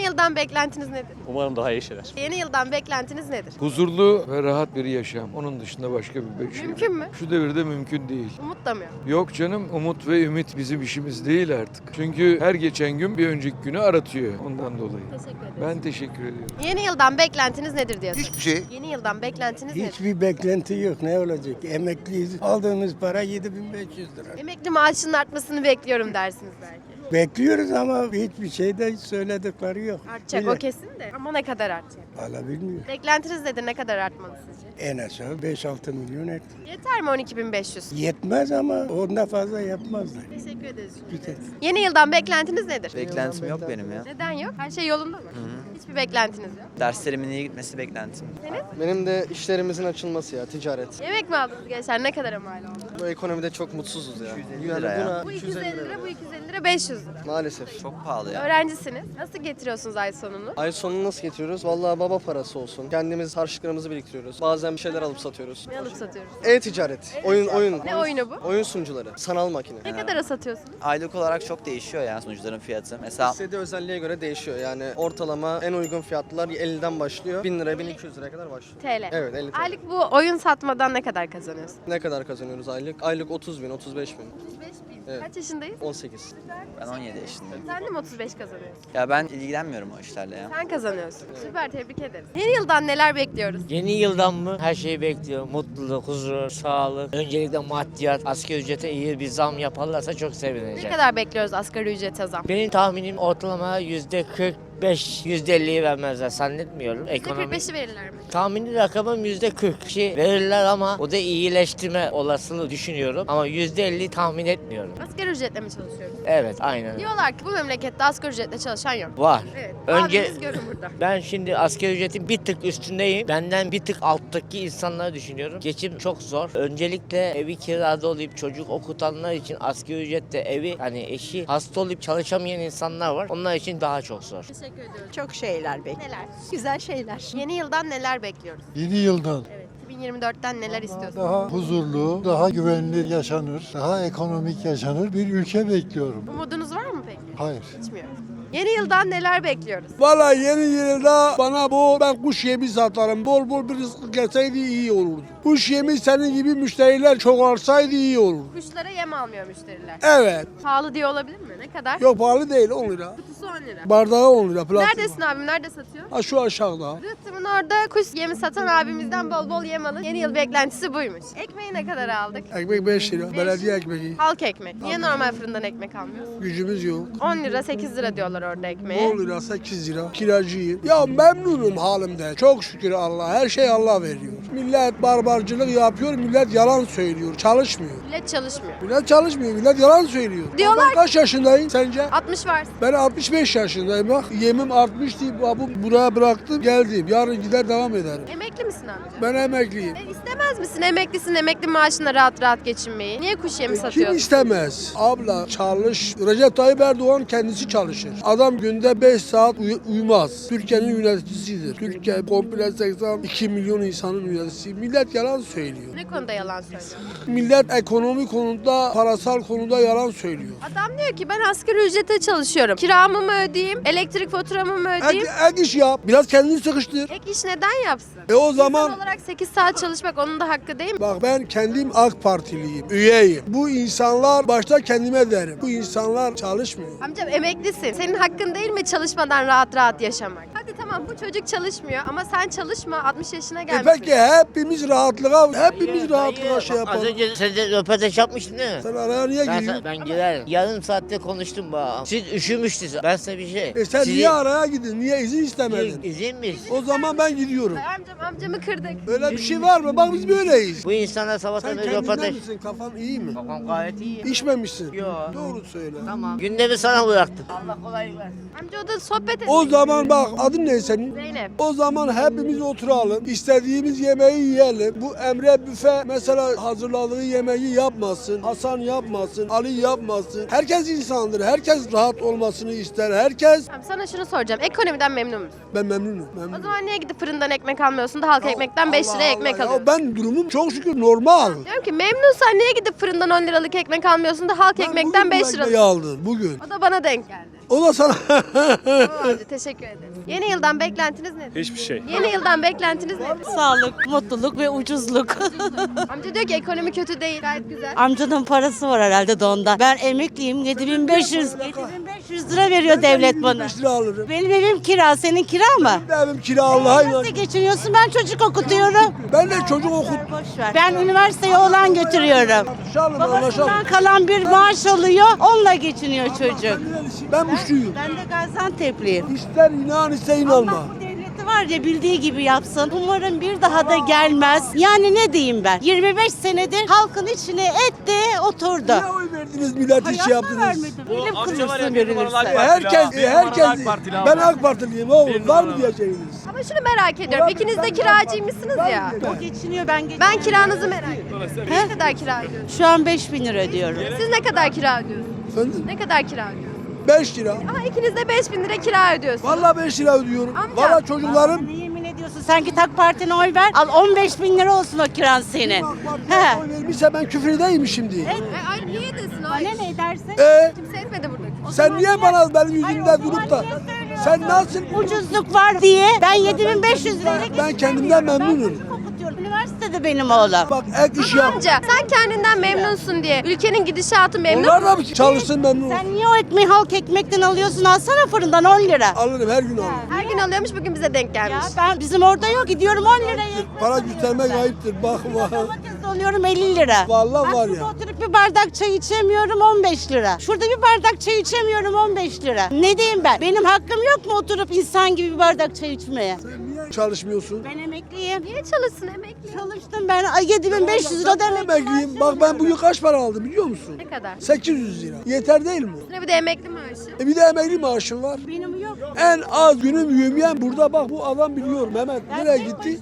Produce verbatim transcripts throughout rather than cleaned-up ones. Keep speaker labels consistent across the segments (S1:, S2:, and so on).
S1: yıldan beklentiniz nedir?
S2: Umarım daha iyi şeyler.
S1: Yeni yıldan beklentiniz nedir?
S3: Huzurlu ve rahat bir yaşam. Onun dışında başka bir şey.
S1: Mümkün mü?
S3: Şu devirde mümkün değil.
S1: Umut da mı yok?
S3: Yok canım, umut ve ümit bizim işimiz değil artık. Çünkü her geçen gün bir önceki günü aratıyor ondan dolayı.
S1: Teşekkür ederim.
S3: Ben teşekkür ediyorum.
S1: Yeni yıldan beklentiniz nedir diye
S4: Hiçbir şey.
S1: Yeni yıldan beklentiniz nedir?
S5: Hiçbir beklenti yok. Ne olacak? Emekliyiz. Aldığımız para yedi bin beş yüz lira.
S1: Emekli maaşının artmasını bekliyorum dersiniz belki.
S5: Bekliyoruz ama hiçbir şey de söyledikleri yok.
S1: Artacak
S5: Bile-
S1: o kesin de. Ama ne kadar artacak?
S5: Valla bilmiyorum.
S1: Beklentiniz nedir? Ne kadar artmalı sizce?
S5: En aşağı beş altı milyon et.
S1: Yeter mi on iki bin beş yüz?
S5: Yetmez ama ondan fazla yapmazlar.
S1: Teşekkür ederiz.
S5: Güzel.
S1: Yeni yıldan beklentiniz nedir?
S6: Beklentim yok benim ya.
S1: Neden yok? Her şey yolunda mı? Hiçbir beklentiniz yok.
S6: Derslerimin iyi gitmesi beklentim.
S7: Benim de işlerimizin açılması ya, ticaret.
S1: Yemek mi aldınız gençler? Ne kadara mal oldu?
S7: Bu ekonomide çok mutsuzuz ya.
S6: yüz lira ya.
S1: Bu iki yüz elli lira, bu iki yüz elli lira, beş yüz lira.
S7: Maalesef.
S6: Çok pahalı ya.
S1: Öğrencisiniz. Nasıl getiriyorsunuz ay sonunu?
S7: Ay sonunu nasıl getiriyoruz? Vallahi baba parası olsun. Kendimiz harçlıklarımızı biriktiriyoruz. Bazen bir şeyler alıp satıyoruz.
S1: Ne alıp satıyoruz?
S7: E-ticaret, oyun oyun.
S1: Ne oyunu bu?
S7: Oyun sunucuları, sanal makine.
S1: Ne kadara satıyorsunuz?
S6: Aylık olarak çok değişiyor ya sunucuların fiyatı. Mesela
S7: İstediği özelliğe göre değişiyor. Yani ortalama en uygun fiyatlar elliden başlıyor. bin lira, bin iki yüz liraya kadar başlıyor.
S1: T L.
S7: Evet, elli T L.
S1: Aylık bu oyun satmadan ne kadar kazanıyorsun?
S7: Ne kadar kazanıyoruz aylık? Aylık otuz bin, otuz beş bin.
S1: otuz beş bin.
S7: Evet.
S1: Kaç yaşındayız?
S7: on sekiz.
S6: ben on yedi yaşındayım.
S1: Sen de mi otuz beş kazanıyorsun?
S6: Ya ben ilgilenmiyorum o işlerle ya.
S1: Sen kazanıyorsun. Süper, tebrik ederiz. Yeni yıldan neler bekliyoruz?
S8: Yeni yıldan mı? Her şeyi bekliyorum. Mutluluk, huzur, sağlık. Öncelikle maddiyat. Asgari ücrete iyi bir zam yaparlarsa çok
S1: Ne
S8: sevineceğim.
S1: kadar bekliyoruz asgari ücrete zam?
S8: Benim tahminim ortalama yüzde kırk beş, yüzde elliyi vermezler zannetmiyorum.
S1: yüzde
S8: Ekonomi.
S1: kırk beşi verirler mi?
S8: Tahmini rakamım yüzde kırk kişi verirler ama o da iyileştirme olasılığı düşünüyorum. Ama yüzde elli tahmin etmiyorum.
S1: Asgari ücretle mi çalışıyoruz?
S8: Evet, aynen.
S1: Diyorlar ki bu memlekette asgari ücretle çalışan yok.
S8: Var.
S1: Evet.
S8: Önce-
S1: Abimiz görün burada.
S8: Ben şimdi asgari ücretin bir tık üstündeyim. Benden bir tık alttaki insanları düşünüyorum. Geçim çok zor. Öncelikle evi kirada olup çocuk okutanlar için asgari ücrette evi, hani eşi hasta olup çalışamayan insanlar var. Onlar için daha çok zor.
S1: Teşekkür ediyorum.
S9: Çok şeyler bekliyorum.
S1: Neler?
S9: Güzel şeyler.
S1: Yeni yıldan neler bekliyoruz?
S10: Yeni yıldan
S1: Evet. iki bin yirmi dörtten neler istiyorsunuz?
S10: daha huzurlu, daha güvenli yaşanır, daha ekonomik yaşanır bir ülke bekliyorum.
S1: Umudunuz var mı peki?
S10: Hayır.
S1: Hiç mi yok? Yeni yıldan neler bekliyoruz?
S11: Valla yeni yılda bana bu ben kuş yemi satarım. Bol bol bir rızık gelseydi iyi olurdu. Kuş yemi senin gibi müşteriler çok arsaydı iyi olurdu.
S1: Kuşlara yem almıyor müşteriler.
S11: Evet.
S1: Pahalı diye olabilir mi? Ne kadar?
S11: Yok pahalı değil on lira.
S1: Kutusu on lira.
S11: Bardağı on lira. Platin.
S1: Neredesin abim? Nerede satıyor?
S11: Ha şu aşağıda.
S1: Rıhtımın orada kuş yemi satan abimizden bol bol yem alın. Yeni yıl beklentisi buymuş. Ekmeği ne kadar aldık?
S11: Ekmek beş lira. Belediye ekmeği.
S1: Halk ekmek. Niye normal fırından ekmek almıyoruz?
S11: Gücümüz yok.
S1: on lira sekiz lira diyorlar orada ekmeğe.
S11: on lira sekiz lira. Kiracıyım. Ya memnunum halimde. Çok şükür Allah. Her şey Allah veriyor. Millet barbarcılık yapıyor. Millet yalan söylüyor. Çalışmıyor.
S1: Millet çalışmıyor.
S11: Millet çalışmıyor. Millet yalan söylüyor.
S1: Diyorlar
S11: Ben kaç yaşındayım sence?
S1: altmış varsın.
S11: Ben altmış beş yaşındayım bak. Yemim artmış diye bu buraya bıraktım geldim. Yarın gider devam ederim.
S1: Emekli misin amca?
S11: Ben emekliyim.
S1: E, istemez misin? Emeklisin, emekli maaşına rahat rahat geçinmeyi. Niye kuş yemi
S11: Kim
S1: satıyorsun?
S11: istemez? Abla çalış. Recep Tayyip Erdoğan kendisi çalışır. Adam günde beş saat uy- uyumaz. Türkiye'nin yöneticisidir. Türkiye komple seksen iki milyon insanın yöneticisi. Millet yalan söylüyor.
S1: Ne konuda yalan söylüyorsun?
S11: Millet ekonomi konuda, parasal konuda yalan söylüyor.
S1: Adam diyor ki ben asgari ücrete çalışıyorum. Kiramı mı ödeyeyim? Elektrik faturamı mı
S11: Ek,
S1: ödeyeyim?
S11: ek iş yap. Biraz kendini sıkıştır.
S1: Ek iş neden yapsın?
S11: E o
S1: İnsan
S11: zaman
S1: olarak sekiz saat çalışmak onun da hakkı değil mi?
S11: bak ben kendim AK Partiliyim, üyeyim. Bu insanlar başta kendime derim. Bu insanlar çalışmıyor.
S1: Amcam emeklisin. Senin hakkın değil mi çalışmadan rahat rahat yaşamak? Hadi tamam bu çocuk çalışmıyor ama sen çalışma altmış yaşına
S11: E
S1: gelmişsin.
S11: peki hepimiz rahatlığa, hepimiz
S8: Hayır,
S11: rahatlığa
S8: hayır.
S11: şey
S8: Bak, Az
S11: yapalım.
S8: önce sen de röportaj yapmıştın değil mi?
S11: Sen araya niye
S8: Ben,
S11: giriyorsun?
S8: ben girerim. Yarım saatte konuştum bana. Siz üşümüştünüz. Ben size bir şey.
S11: E sen
S8: Sizi-
S11: niye araya gidin? Niye izin istemedin?
S8: İzin mi?
S11: O zaman ben gidiyorum.
S1: Ay amcam amcamı kırdık.
S11: Öyle bir şey var mı? Bak biz böyleyiz.
S8: Bu insanlar sabahtan
S11: Sen
S8: beri
S11: kendinden
S8: röportaj...
S11: misin? Kafan iyi mi?
S8: Babam gayet iyi.
S11: İçmemişsin.
S8: Yo.
S11: Doğru söyle.
S8: Tamam. Gündemi sana bıraktım. Allah kolaylık versin.
S1: Amca o da sohbet ediyor.
S11: O zaman bak adın ne senin?
S1: Zeynep.
S11: O zaman hepimiz oturalım. İstediğimiz yemeği yiyelim. Bu Emre Büfe mesela hazırladığı yemeği yapmasın. Hasan yapmasın. Ali yapmasın. Herkes insandır. Herkes rahat olmasını ister. Herkes.
S1: Tamam, sana şunu soracağım. Ekonomiden memnun musun?
S11: Ben memnunum.
S1: O
S11: memnunum.
S1: zaman niye gidip fırından ekmek almıyorsun da halk ekmekten beş
S11: Allah
S1: liraya ekmek
S11: Allah ya.
S1: alıyorsun?
S11: Ben durumum çok şükür normal.
S1: Diyorum ki memnunsan niye gidip fırından on liralık ekmek almıyorsun da halk
S11: Ben
S1: ekmekten
S11: bugün bu
S1: beş
S11: ekmeği
S1: lira?
S11: aldım bugün.
S1: O da bana denk geldi.
S11: O da sana
S1: Tamam amca teşekkür ederim. Yeni yıldan beklentiniz nedir?
S2: Hiçbir şey.
S1: Yeni yıldan beklentiniz nedir?
S4: Sağlık, mutluluk ve ucuzluk.
S1: Amca diyor ki ekonomi kötü değil gayet güzel.
S4: Amcanın parası var herhalde de ondan. Ben emekliyim. yedi bin beş yüz. yedi bin beş yüz lira veriyor devlet bana.
S11: beş lira alırım.
S4: Benim evim kira, senin kira mı?
S11: Benim evim kira Allah'a inan.
S4: Nasıl geçiniyorsun? Ben çocuk okutuyorum.
S11: Ben de çocuk okut.
S4: Boş ver. Ben üniversiteye oğlan götürüyorum.
S11: Şalım anlaşalım.
S4: Babasından kalan bir maaş alıyor, onunla geçiniyor çocuk.
S11: Ben müşriyim.
S4: Ben de Gaziantep'liyim.
S11: İster inan ister inanma.
S4: Allah bu devleti var ya bildiği gibi yapsın. Umarım bir daha da gelmez. Yani ne diyeyim ben? yirmi beş senedir halkın içine etti, oturdu.
S11: Niye oy verdiniz milleti şey yaptınız?
S4: Vermedim. Bilim kurulsun verilirse.
S11: Herkes, herkes, ben AK Partiliyim oğlum, var mı diyeceğiniz?
S1: Ama şunu merak ediyorum. İkiniz de kiracıymışsınız ya.
S4: O geçiniyor, ben geçiniyorum.
S1: Ben kiranızı merak ediyorum. Ne kadar kira ödüyorsunuz?
S4: Şu an beş bin lira ödüyorum.
S1: Siz ne kadar kira ödüyorsunuz?
S11: Efendim?
S1: Ne kadar kira ödüyorsunuz?
S11: beş lira.
S1: Ama ikiniz de beş bin lira kira ödüyorsunuz.
S11: Vallahi beş lira ödüyorum.
S1: Amca.
S11: Vallahi çocuklarım.
S4: Ne yemin ediyorsun? Sen git AK Parti'ne oy ver. Al on beş bin lira olsun o kiran senin.
S11: AK
S4: He.
S11: Parti'ye oy vermişse ben küfür edeyim mi şimdi?
S1: E, ay niye desin o?
S4: Bana ne edersin?
S11: Ee,
S1: Kimse etmedi burada.
S11: sen niye bana benim yüzümden
S4: Hayır, o
S11: durup da
S4: zaman niye söylüyorsun?
S11: sen nasıl
S4: Ucuzluk var diye ben yedi bin beş yüz liraya
S11: Ben kendimden memnunum.
S4: Ben çocuk okutuyorum. Üniversitede benim oğlum.
S11: bak ek iş yap.
S1: Amca sen kendinden memnunsun diye ülkenin gidişatı memnun
S11: Onlar da
S1: musun?
S11: çalışsın memnun.
S4: Sen niye o ekmeği halk ekmekten alıyorsun? Alsana fırından on lira.
S11: Alırım her gün alırım.
S1: Her gün alıyormuş bugün bize denk
S4: Ya
S1: gelmiş.
S4: ben bizim orada yok gidiyorum on liraya.
S11: Para göstermek ayıptır. Bak bak.
S4: Domates alıyorum elli lira.
S11: Vallahi
S4: Bak
S11: var
S4: şurada
S11: ya.
S4: oturup bir bardak çay içemiyorum on beş lira. Şurada bir bardak çay içemiyorum on beş lira. Ne diyeyim ben? Benim hakkım yok mu oturup insan gibi bir bardak çay içmeye?
S11: Niye çalışmıyorsun?
S4: Ben emekliyim.
S1: Niye çalışsın emekli?
S4: Çalıştım ben ay yedi bin beş yüz lira da emekli
S11: Emekliyim.
S4: maaşı
S11: Bak ben
S4: alıyorum.
S11: bugün kaç para aldım biliyor musun?
S1: Ne kadar?
S11: sekiz yüz lira. Yeter değil mi?
S1: Üstüne bir de emekli maaşı.
S11: E bir de emekli maaşım var.
S4: Benim yok.
S11: En az günüm yümyen burada bak bu adam biliyor Mehmet nereye gitti?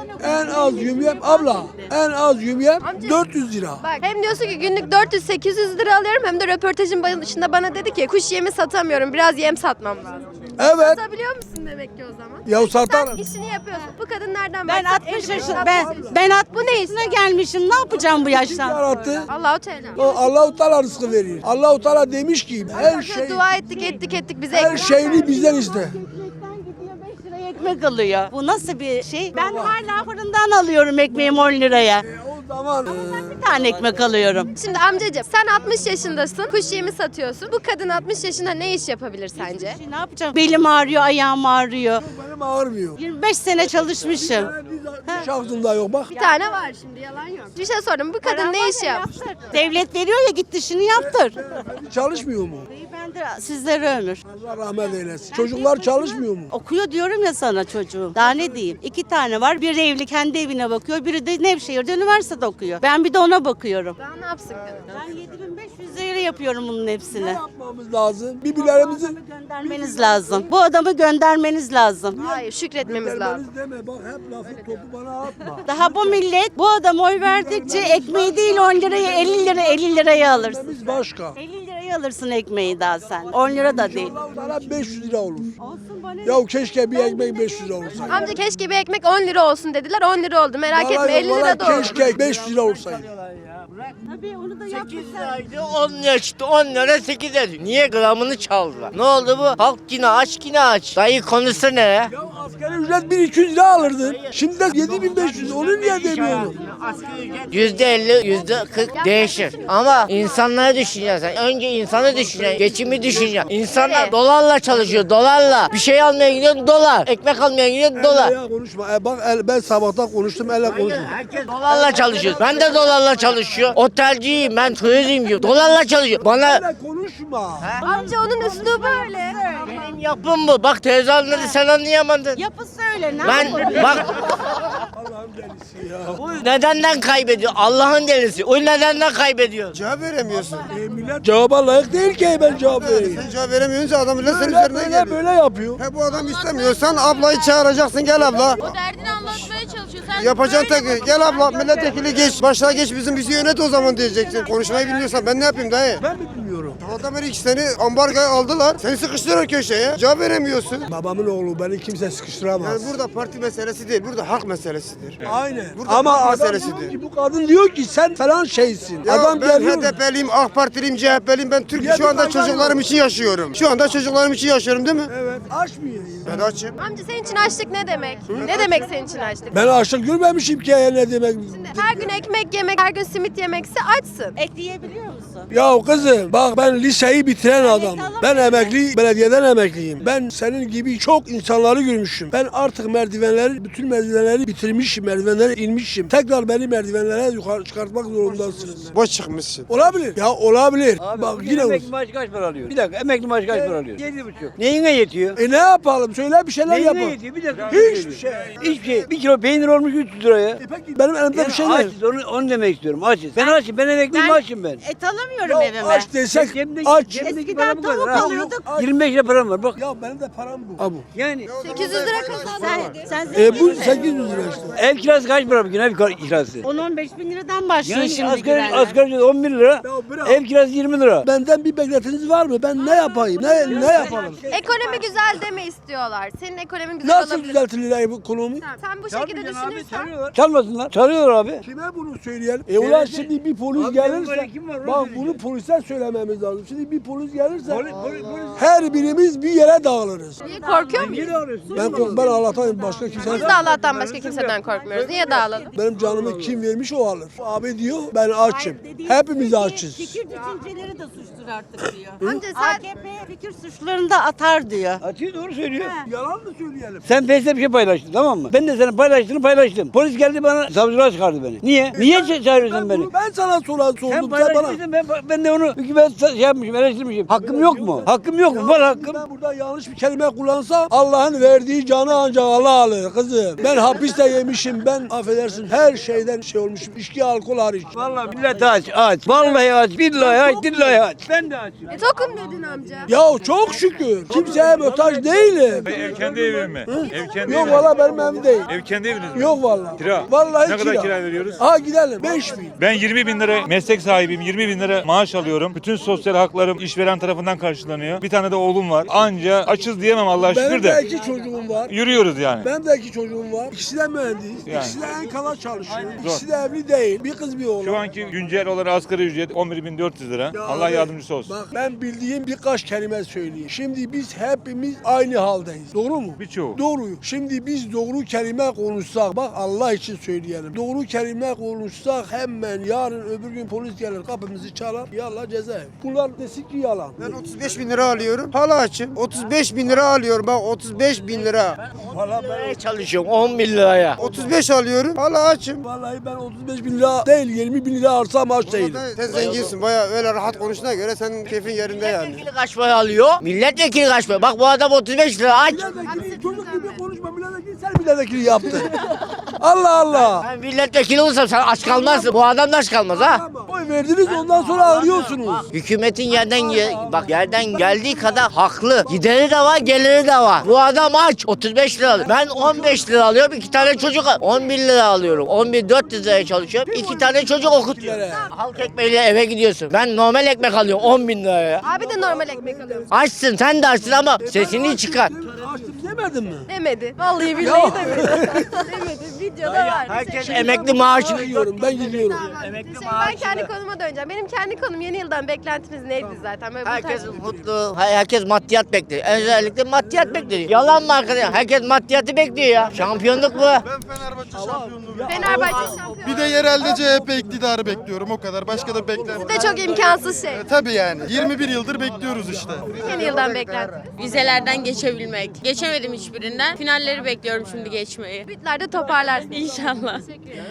S11: En az yümyen abla en az yümyen
S1: Amca.
S11: dört yüz lira.
S1: Bak hem diyorsun ki günlük dört yüz sekiz yüz lira alıyorum hem de röportajın başında bana dedi ki kuş yemi satamıyorum biraz yem satmam lazım.
S11: Evet.
S1: Satabiliyor musun demek ki o zaman?
S11: Ya
S1: Sen
S11: satarım.
S1: işini yapıyorsun. Bu kadın nereden
S4: Ben
S1: baksan
S4: altmış
S1: elli beş,
S4: yaşında
S1: altmış
S4: ben
S1: yaşında.
S4: ben
S1: Bu
S4: altmış
S1: ne
S4: yaşına gelmişim. Ne yapacağım bu
S11: Kim
S4: yaştan?
S11: yarattı?
S1: Allahu Teala.
S11: O Allah-u Teala rızkı verir. Allah-u Teala demiş ki her
S1: Her
S11: şey
S1: dua ettik ettik ettik bize
S11: her
S1: ekmek
S11: şeyini
S1: verdi.
S11: bizden iste.
S4: Ekmekten gidiyor beş liraya ekmek alıyor. Bu nasıl bir şey? Ben hala fırından alıyorum ekmeğimi on liraya.
S11: O zaman e,
S4: Bir tane ekmek alıyorum.
S1: Şimdi amcacığım sen altmış yaşındasın. Kuş yemi satıyorsun. Bu kadın altmış yaşında ne iş yapabilir sence?
S4: Şimdi ne yapacağım? Belim ağrıyor, ayağım ağrıyor.
S11: benim ağırmıyor.
S4: yirmi beş sene çalışmışım.
S11: Hiç aklımda yok bak.
S1: Bir tane var şimdi yalan yok. Bir şey sordum bu kadın ne iş yap?
S4: Devlet veriyor ya git işini yaptır.
S11: Çalışmıyor mu?
S4: Ben de sizlere ömür.
S11: Allah rahmet eylesin. Çocuklar çalışmıyor mu?
S4: Okuyor diyorum ya sana çocuğum. Daha ne diyeyim? İki tane var. Biri evli kendi evine bakıyor. Biri de Nevşehir'de üniversitede okuyor. Ben bir de ona bakıyorum.
S1: Daha ne yapsın kadın?
S4: Ben yedi bin beş yüz lira yapıyorum bunun hepsini.
S11: Yapmamız lazım. Birbirlerimizi
S4: Göndermeniz lazım. Bu adamı göndermeniz lazım.
S1: Hayır şükretmemiz lazım.
S11: Dermeniz deme bak hep lafı topu bana atma.
S4: Daha bu millet bu adama oy verdikçe ekmeği değil on liraya elli lira elli liraya alırsın.
S11: Biz başka.
S4: elli liraya alırsın ekmeği daha sen. on lira da değil.
S11: Bana beş yüz lira olur.
S4: Olsun bana.
S11: Ya keşke bir ekmek beş yüz lira olsaydı.
S1: Amca keşke bir ekmek on lira olsun dediler on lira oldu merak etme
S11: Vallahi-
S1: elli lira
S11: vallahi
S1: da oldu.
S11: keşke beş yüz lira olsaydı.
S4: Tabii onu da
S8: sekiz
S4: yapmışlar.
S8: liraydı on lira çıktı on lira sekiz lira. Niye gramını çaldılar? Ne oldu bu? Halk yine aç yine aç. Dayı konusu ne ya?
S11: Ya asgari ücret bin iki yüz lira alırdın. Şimdi de yedi bin beş yüz. Onu niye demiyorum?
S8: Yüzde elli, yüzde kırk değişir. Ama insanları düşüneceksin. Önce insanı düşüneceksin. Geçimi düşüneceksin. İnsanlar
S1: Evet.
S8: dolarla çalışıyor, dolarla. Bir şey almaya gidiyor, dolar. Ekmek almaya gidiyor, dolar.
S11: Ya konuşma. E bak el, ben sabahtan konuştum elle konuşma.
S8: Herkes dolarla çalışıyor. Ben de dolarla çalışıyor. Otelciyim, ben turizmciyim. Dolarla çalışıyor. Bana
S11: Elle konuşma.
S1: Amca onun üslubu öyle.
S8: benim yapım bu. Bak teyze anladı, sen anlayamadın.
S4: Yapısı öyle. Ne
S8: Ben
S4: yapalım?
S8: bak
S11: Allah'ım delisi ya.
S8: bu nedenden kaybediyor. Allah'ın delisi. O nedenden kaybediyor.
S9: Cevap veremiyorsun.
S11: E, millet cevaba layık değil ki ben cevap vereyim.
S9: Sen cevap veremiyorsun adam bile senin
S11: Böyle
S9: üzerine
S11: böyle,
S9: geliyor.
S11: böyle yapıyor.
S9: He bu adam istemiyorsan ablayı çağıracaksın gel abla.
S12: O derdini anlatmaya çalışıyor. Sen
S9: Yapacaksın tek gel abla milletvekili geç başına geç bizim bizi yönet o zaman diyeceksin. Konuşmayı bilmiyorsan ben ne yapayım dayı?
S11: Ben mi bilmiyorum?
S9: Adamlar iki seni ambargoya aldılar. Seni sıkıştırıyor köşeye. Cevap veremiyorsun.
S11: Babamın oğlu beni kimse sıkıştıramaz.
S9: Yani burada parti meselesi değil, burada halk meselesidir.
S11: Aynen.
S9: Burada
S11: Ama
S9: halk
S11: adam
S9: meselesidir.
S11: diyor ki, bu kadın diyor ki sen falan şeysin.
S9: Ya
S11: adam
S9: ben
S11: geliyor.
S9: H D P'liyim, AK Partiliyim, C H P'liyim. Ben Türk
S11: Ya
S9: şu
S11: bir
S9: anda
S11: fayda
S9: çocuklarım
S11: yok.
S9: için yaşıyorum. Şu anda çocuklarım için yaşıyorum değil mi?
S11: Evet. Aç mı yiyeyim?
S9: Ben açım.
S1: Amca senin için açlık ne demek? Ne demek senin için açlık?
S11: Ben açlık görmemişim ki ya ne demek.
S1: Her gün ekmek yemek, her gün simit yemekse açsın.
S4: Ekleyebiliyor musun?
S11: Ya kızım bak ben liseyi bitiren adamım.
S4: alamıyorum.
S11: Ben emekli, belediyeden emekliyim. Ben senin gibi çok insanları görmüşüm. Ben artık merdivenleri, bütün merdivenleri bitirmişim, merdivenlere inmişim. Tekrar beni merdivenlere yukarı çıkartmak zorundasınız.
S9: Boş çıkmışsın.
S11: Olabilir. Ya olabilir. Bak yine
S2: emekli maaşı kaç para alıyor? Bir dakika emekli maaşı kaç para alıyor? Yedi buçuk. Neyine yetiyor?
S11: E ne yapalım? Söyle bir şeyler
S2: Neyine
S11: yapalım.
S2: yetiyor? Bir dakika.
S11: Hiçbir şey.
S2: Hiçbir şey. Bir kilo peynir olmuş üç yüz liraya.
S11: E peki benim elimde
S2: Yani
S11: bir şey var.
S2: açız onu, onu demek istiyorum açız. Ben açım ben emekliyim açım ben.
S4: Et alamıyorum
S11: Ya
S4: evime.
S11: aç desek
S2: Cebimdeki-
S11: aç.
S2: cebimdeki
S4: Eskiden
S2: para bu kadar,
S4: tavuk
S2: ha.
S4: alıyorduk.
S2: yirmi beş lira param var bak.
S11: Ya benim de param bu. Ha bu.
S2: Yani
S1: sekiz yüz lira kazandın.
S4: Sen, sen
S11: E bu
S4: zenginsin.
S11: sekiz yüz lira işte.
S2: ev kirası kaç para bugün ev kirası?
S4: on on beş bin liradan başlıyor
S2: Yani
S4: şimdi
S2: asgari,
S4: güvenler.
S2: asgari ücret on bir lira.
S11: Ya bırak.
S2: Ev kirası yirmi lira.
S11: Benden bir beklentiniz var mı? Ben ne yapayım? Ne ne yapalım?
S1: Ekonomi güzel deme istiyorlar. Senin ekonomin güzel
S11: Nasıl
S1: olabilir.
S11: düzeltilir bu ekonomi?
S1: Tamam, sen bu şekilde düşünürsen.
S2: Çalmasınlar. Çalıyorlar abi.
S11: Kime bunu söyleyelim? E ulan şimdi bir polis
S2: Abi
S11: gelirse,
S2: benim var, kim var, onu
S11: bak
S2: söyleyeceğim.
S11: bunu polise söylememiz lazım. Şimdi bir polis gelirse,
S2: Polis- polis- polis-
S11: her birimiz bir yere dağılırız.
S1: Niye korkuyor muyuz?
S2: Niye arıyorsun?
S11: Ben kork- ben Allah'tan başka kimse.
S1: Biz de Allah'tan başka kimseden korkmuyoruz. Niye dağılalım?
S11: Benim canımı kim vermiş o alır. Abi diyor ben açım. Hepimiz açız.
S4: Fikir düşünceleri de suçtur artık diyor.
S1: Amca sen
S4: A K P fikir suçlarını da atar diyor.
S2: Atıyor doğru söylüyor.
S11: Yalan mı söyleyelim?
S2: Sen Face'te bir şey paylaştın tamam mı? Ben de senin paylaştığını paylaştım. Polis geldi bana savcılığa çıkardı beni. Niye? Niye ça- çağırıyorsun beni?
S11: bunu- Ben sana soran
S2: Sen
S11: sordum. Sen bana.
S2: paylaşmışsın ben, ben de onu hükümet şey yapmışım eleştirmişim. Hakkım yok mu? Hakkım yok mu? Var hakkım.
S11: Ben burada yanlış bir kelime kullansam Allah'ın verdiği canı ancak Allah alır kızım. Ben hapiste yemişim. Ben affedersin her şeyden şey olmuşum. İçki, alkol hariç.
S2: Vallahi millet aç aç. Vallahi aç. Billahi aç. Dillahi aç. Ben de açım.
S1: e, tokum dedin amca.
S11: Ya çok şükür. Kimseye muhtaç değilim.
S13: Ev kendi evin mi? Ev kendi
S11: Yok
S13: evin.
S11: valla benim evim değil.
S13: Ev kendi eviniz mi?
S11: Yok valla.
S13: Kira.
S11: Vallahi
S13: Ne kadar kira veriyoruz?
S11: Ha gidelim. beş bin.
S13: Ben yirmi bin lira meslek sahibiyim. yirmi bin lira maaş alıyorum. Bütün sosyal haklarım işveren tarafından karşılanıyor. Bir tane de oğlum var. Anca açız diyemem Allah'a şükür
S11: Benim de
S13: de.
S11: iki çocuğum var.
S13: Yürüyoruz yani.
S11: Benim de iki çocuğum var. İkisi de mühendis.
S13: Yani.
S11: İkisi de Enkal'a çalışıyor. İkisi de evli değil. Bir kız bir oğlan.
S13: Şu anki güncel olarak asgari ücret on bir bin dört yüz lira.
S11: Ya
S13: Allah
S11: abi,
S13: yardımcısı olsun.
S11: Bak ben bildiğim birkaç kelime söyleyeyim. Şimdi biz hepimiz aynı haldeyiz. Doğru mu?
S13: Birçoğu.
S11: Doğru. Şimdi biz doğru kelime konuşsak, bak Allah için söyleyelim. Doğru kelime konuşsak hemen yarın öbür gün polis gelir kapımızı çalar. Yallah cezaevi. Bunlar desin ki yalan.
S9: Ben otuz beş bin lira alıyorum. Hala açım. otuz beş bin lira alıyorum. Bak otuz beş bin lira.
S8: Nereye çalışıyorum on bin liraya?
S9: otuz beş alıyorum. Hala açım.
S11: Vallahi ben otuz beş bin lira değil yirmi bin lira arsam aç değilim.
S9: Sen zenginsin. Baya öyle rahat konuştuğuna göre senin keyfin yerinde yani.
S8: Milletvekili kaç para alıyor? Milletvekili kaç para? Bak bu adam otuz beş lira aç.
S11: Milletvekili çocuk gibi konuşma. Milletvekili sen milletvekili yaptın. Allah Allah.
S8: Ben milletvekili olursam sen aç kalmazsın. Bu adam da aç kalmaz ha.
S11: Oy verdiniz ondan sonra ağlıyorsunuz.
S8: Hükümetin yerden ge- bak yerden geldiği kadar haklı. Gideri de var, geliri de var. Bu adam aç. otuz beş lira alıyor. Ben on beş lira alıyorum. iki tane çocuk on bir lira alıyorum. on bin dört yüz liraya çalışıyorum. iki tane çocuk okutuyorum. Halk ekmeğiyle eve gidiyorsun. Ben normal ekmek alıyorum on bin liraya.
S1: Abi de normal ekmek alıyormuş.
S8: Açsın sen de açsın ama sesini çıkar.
S11: Açtım demedin mi?
S1: Demedi. Vallahi billahi demedi. demedi. Videoda var.
S8: Herkes emekli maaşını
S11: Gidiyorum ben gidiyorum.
S1: Emekli Şimdi ben kendi konuma döneceğim. Benim kendi konum yeni yıldan beklentiniz neydi zaten? Böyle bu
S8: Herkes
S1: tarz-
S8: mutlu, herkes maddiyat bekliyor. Özellikle maddiyat bekliyor. Yalan mı arkadaşlar? Herkes maddiyatı bekliyor ya. Şampiyonluk bu.
S9: Ben Fenerbahçe şampiyonluğu.
S1: Fenerbahçe şampiyon.
S9: Bir de yerelde C H P iktidarı bekliyorum o kadar. Başka da beklenmiyorum.
S1: de çok imkansız şey.
S9: Tabii yani. yirmi bir yıldır bekliyoruz işte.
S1: Yeni yıldan beklentiniz.
S12: Vizelerden geçebilmek. Geçemedim hiçbirinden. Finalleri bekliyorum şimdi geçmeyi.
S1: Bütlerde toparlarsın.
S12: İnşallah.